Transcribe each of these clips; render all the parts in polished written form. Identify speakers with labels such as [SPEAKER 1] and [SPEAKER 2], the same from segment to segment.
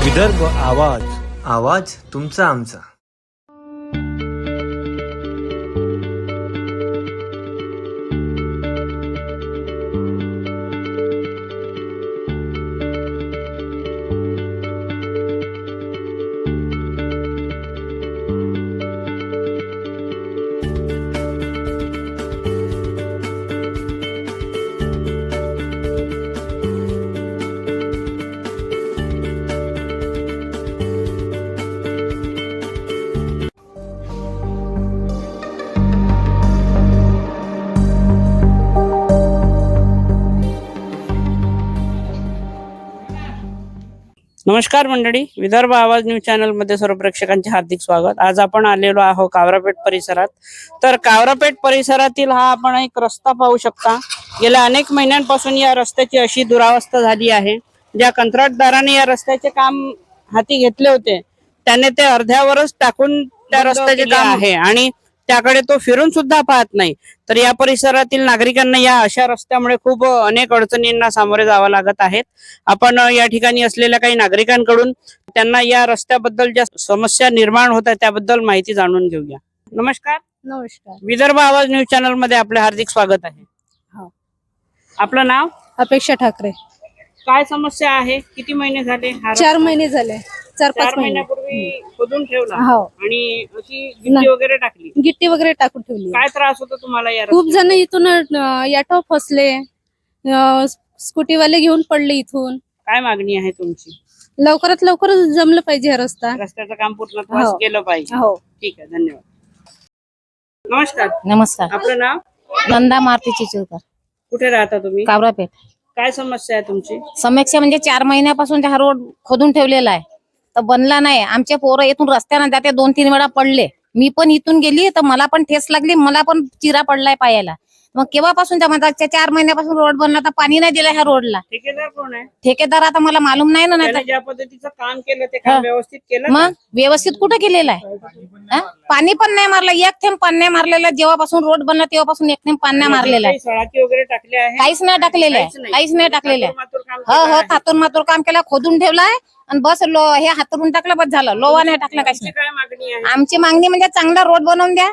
[SPEAKER 1] विदर्भ आवाज, आवाज तुमचा आमचा.
[SPEAKER 2] नमस्कार मंडळी, विदर्भ आवाज न्यूज चॅनल मध्ये सर्व प्रेक्षकांचे हार्दिक स्वागत. आज आपण आलेलो आहोत कावरापेठ परिसरात. तर कावरापेठ परिसरातील हा आपण एक रस्ता पाहू शकता. गेल्या अनेक महिन्यांपासून या रस्त्याची अशी दुरावस्था झाली आहे. ज्या कंत्राटदाराने या रस्त्याचे काम हाती घेतले होते त्याने ते अर्ध्यावरच टाकून त्या रस्त्याचे काम आहे आणि त्याकडे तो फिरून सुद्धा पाहत नाही. तर या परिसरातील नागरिकांना या अशा रस्त्यामुळे खूप अनेक अडचणींना सामोरे जावं लागत आहेत. आपण या ठिकाणी असलेल्या काही नागरिकांकडून त्यांना या रस्त्याबद्दल ज्या समस्या निर्माण होत आहेत त्याबद्दल माहिती जाणून घेऊया. नमस्कार.
[SPEAKER 3] नमस्कार.
[SPEAKER 2] विदर्भ आवाज न्यूज चॅनल मध्ये आपले हार्दिक स्वागत आहे.
[SPEAKER 3] हो.
[SPEAKER 2] आपलं नाव?
[SPEAKER 3] अपेक्षा ठाकरे.
[SPEAKER 2] काय समस्या आहे? किती महिने झाले?
[SPEAKER 3] 4 महिने झाले. 4-5 महिने
[SPEAKER 2] महिन्यापूर्वी खोदून ठेवला
[SPEAKER 3] हो.
[SPEAKER 2] आणि अशी गिट्टी वगैरे टाकली.
[SPEAKER 3] गिट्टी वगैरे टाकून ठेवली.
[SPEAKER 2] काय त्रास होतो तुम्हाला या
[SPEAKER 3] खूप जण इथून ऑटो फसले, स्कूटीवाले घेऊन पडले इथून.
[SPEAKER 2] काय मागणी आहे तुमची?
[SPEAKER 3] लवकरात लवकर जमलं पाहिजे हा रस्ता.
[SPEAKER 2] रस्त्याचं काम पूर्णत्वास
[SPEAKER 3] हो.
[SPEAKER 2] केलं पाहिजे.
[SPEAKER 3] हो.
[SPEAKER 2] ठीक आहे, धन्यवाद. नमस्कार.
[SPEAKER 4] नमस्कार.
[SPEAKER 2] आपलं नाव?
[SPEAKER 4] नंदा मारुती चिचुळकर,
[SPEAKER 2] कुठे राहता तुम्ही?
[SPEAKER 4] कावरापेठ.
[SPEAKER 2] काय समस्या आहे तुमची?
[SPEAKER 4] समस्या म्हणजे 4 महिन्यापासून हा रोड खोदून ठेवलेला आहे तर बनला नाही. आमचे पोरं इथून रस्त्याने जाते 2-3 वेळा पडले. मी पण इथून गेली तर मला पण ठेस लागली, मला पण चिरा पडलाय पायाला. मग केव्हापासून त्या म्हणतात 4 महिन्यापासून रोड बनला तर पाणी नाही दिलं ह्या रोडला.
[SPEAKER 2] ठेकेदार कोण आहे?
[SPEAKER 4] ठेकेदार आता मला मालूम नाही ना.
[SPEAKER 2] त्याने ज्या पद्धतीचं काम केलं ते काम व्यवस्थित केलं
[SPEAKER 4] मग व्यवस्थित कुठं केलेलं आहे? पाणी पण नाही मारलं, एक थेंब पाणी नाही मारलेलं. जेव्हापासून रोड बनला तेव्हापासून एक थेंब पाणी नाही मारलेलं आहे.
[SPEAKER 2] सळाकी वगैरे टाकले आहे?
[SPEAKER 4] काहीच नाही टाकलेलं आहे, काहीच नाही टाकलेलं आहे. हो, थातून मातूर काम केलं, खोदून ठेवलाय आणि बस हे हातरून टाकलं, बस झालं. लोवा नाही टाकला, काहीच नाही.
[SPEAKER 2] काय मागणी आहे?
[SPEAKER 4] आमची मागणी म्हणजे चांगला रोड बनवून द्या,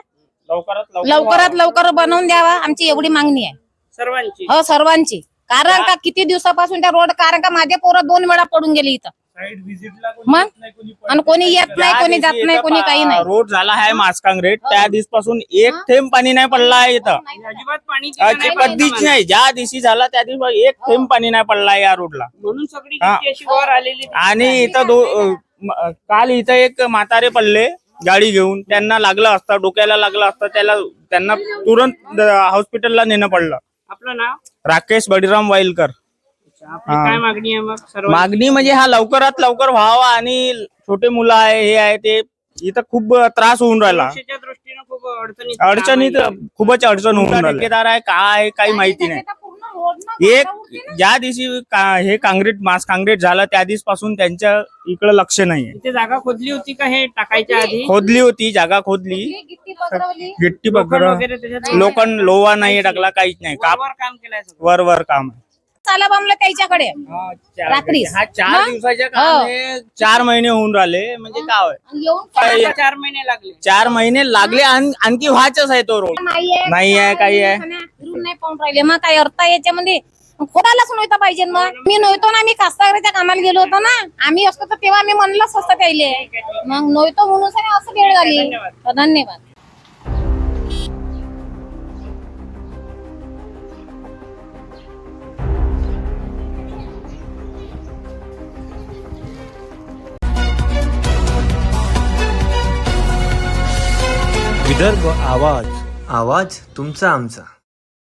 [SPEAKER 4] लवकरात लवकर बनवून द्यावा, आमची एवढी मागणी आहे
[SPEAKER 2] सर्वांची.
[SPEAKER 4] हो, सर्वांची. कारण का किती दिवसापासून त्या रोड, कारण का माझे पोरं 2 वेळा पडून गेले इथं. मग आणि कोणी येत नाही, कोणी जात नाही, कोणी काही नाही.
[SPEAKER 5] रोड झाला आहे मास काँक्रीट, त्या दिवसापासून एक थेंब पाणी नाही पडला आहे इथं.
[SPEAKER 2] अजिबात पाणी
[SPEAKER 5] कधीच नाही. ज्या दिवशी झाला त्या दिवशी एक थेंब पाणी नाही पडला या रोडला.
[SPEAKER 2] म्हणून सगळी गिट्टी अशी वर आलेली.
[SPEAKER 5] आणि इथं काल इथं एक म्हातारे पडले गाडी घेऊन, त्यांना लागलं असतं, डोक्याला लागलं असतं, त्यांना तुरंत हॉस्पिटलला नेणं पडलं.
[SPEAKER 2] आपलं नाव?
[SPEAKER 5] राकेश बळीराम वाईलकर.
[SPEAKER 2] आपली काय मागणी आहे मग?
[SPEAKER 5] मागणी म्हणजे हा लवकरात लवकर व्हावा आणि छोटे मुलं आहे, हे आहे, ते इथं खूप त्रास होऊन राहिला.
[SPEAKER 2] सुरक्षेच्या दृष्टीने खूप
[SPEAKER 5] अडचणीत खूपच अडचण होऊन राहिली. ठेकेदार आहे काय काही माहिती नाही. एक ज्या दिवशी हे काँक्रीट मास काँक्रीट झालं त्या दिवसापासून त्यांच्या इकडे लक्ष नाही.
[SPEAKER 2] इथे जागा खोदली होती का हे टाकायच्या आधी?
[SPEAKER 5] खोदली होती, जागा खोदली, गिट्टी बकर
[SPEAKER 2] वगैरे त्याच्यात
[SPEAKER 5] लोखंड लोवा नाही टाकला, काहीच नाही.
[SPEAKER 2] वर काम केलंय सगळं.
[SPEAKER 5] वर काम आहे.
[SPEAKER 4] चाला बांबलं त्याच्याकडे रात्री.
[SPEAKER 5] हा 4 दिवसाच्या काम आहे, 4 महिने होऊन राहिले. म्हणजे काय
[SPEAKER 2] 4 महिने लागले.
[SPEAKER 5] 4 महिने लागले, आणखी व्हायचंच आहे तो रोड. नाही आहे, काही आहे
[SPEAKER 4] नाही पाहून राहिले. मग काय अर्थ याच्यामध्ये? खोदायलाच नव्हतं पाहिजे. मग मी नव्हतो ना, मी कास्तकाराच्या कामाला गेलो होतो ना. आम्ही असतो तर तेव्हा मी म्हणलंच असतं त्याले. मग नव्हतो म्हणून असं वेळ झाली. धन्यवाद.
[SPEAKER 1] विदर्भ आवाज, आवाज तुमचा आमचा.